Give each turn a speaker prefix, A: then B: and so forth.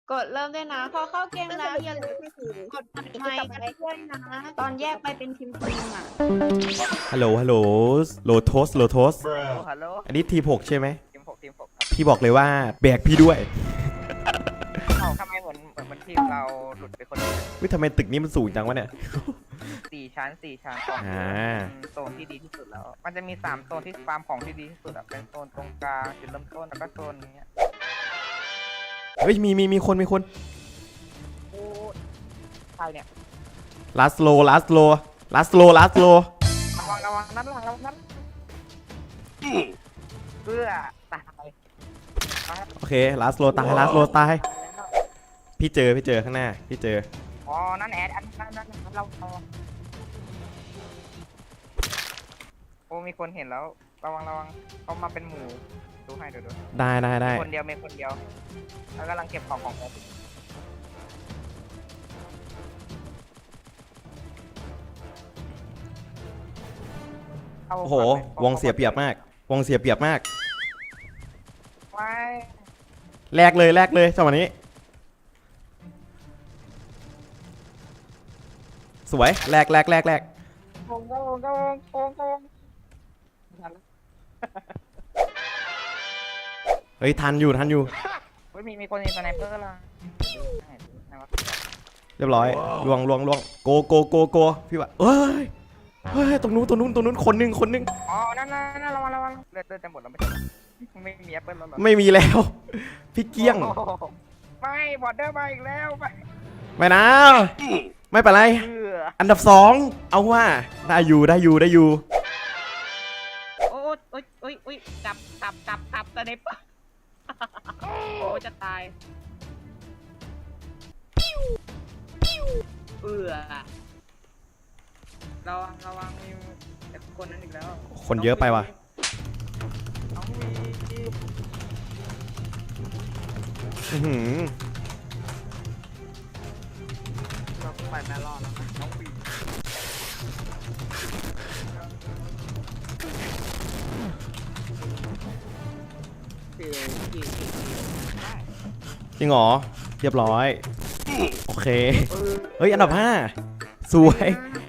A: กดเริ่มด้วยนะ พอเข้าเกมแล้วอย่าลืมกดไมค์กันด้วยนะ ตอนแยกไปเป็นทีมอ่ะ
B: ฮัลโหลฮัลโหลโลโทสโลโทส
C: ฮัลโหล
B: อันนี้ทีม6ใช่ไหม
C: ทีม 6 ครับ
B: พี่บอกเลยว่าแบกพี่ด้วย
C: เขาทำไมเหมือนทีมเราหลุดไปคนเดียว
B: วิทำไมตึกนี้มันสูงจังวะเนี่ย
C: 4 ชั้น
B: อ่า
C: โซนที่ดีที่สุดแล้ว มันจะมี3โซนที่ฟาร์มของที่ดีที่สุดอะเป็นโซนตรงกลางจุดเริ่มต้นแล้วก็โซนนี้
B: เฮ้ยมีคน
C: โอ้ใครเนี่ย
B: ลาสโลระ
C: วังนั้นเพื่อตาย
B: โอเคลาสโลตายพี่เจอข้างหน้าพี่เจอ
C: อ๋อนั่นแอดอันนั้นเราโอ้มีคนเห็นแล้วระวังเขามาเป็นหมู่ดูให้ดู
B: ได้
C: คนเดียวแล้วกำลังเก็บของแอด
B: โอ้โหวงเสียเปรียบมาก
C: ไม่
B: แลกเลยจังหวะนี้สวยแลก
C: โกง
B: เฮ้ยทันอยู่
C: เฮ้ยมีคนยิงสไนเปอร์ละ
B: เรียบร้อยลวงโกพี่ว่าเฮ้ยตรงนู้นคนหนึง
C: อ๋อนั่นระวังเลือดจะหมดแล้วไม่มีแอปเปิลแล้วหรอ
B: ไม่มีแล้ว พี่เกี้ยง
C: ไม่บอดเดอร์มาอีกแล้วไป
B: ไม่นะไม่เป็นไรอันดับ2เอาว่าได้อยู่
A: โอ้ยกลับสไนเปอร์โอ้จะตายระวังมีคนนั้นอีกแล้ว
B: คนเยอะไปว่ะ
C: น้องวี
B: อื้อหือ
C: เราไปแม่รอดแล้วนะน้องวี
B: จริงเหรอเรียบร้อยโอเคเฮ้ยอันดับ5สวย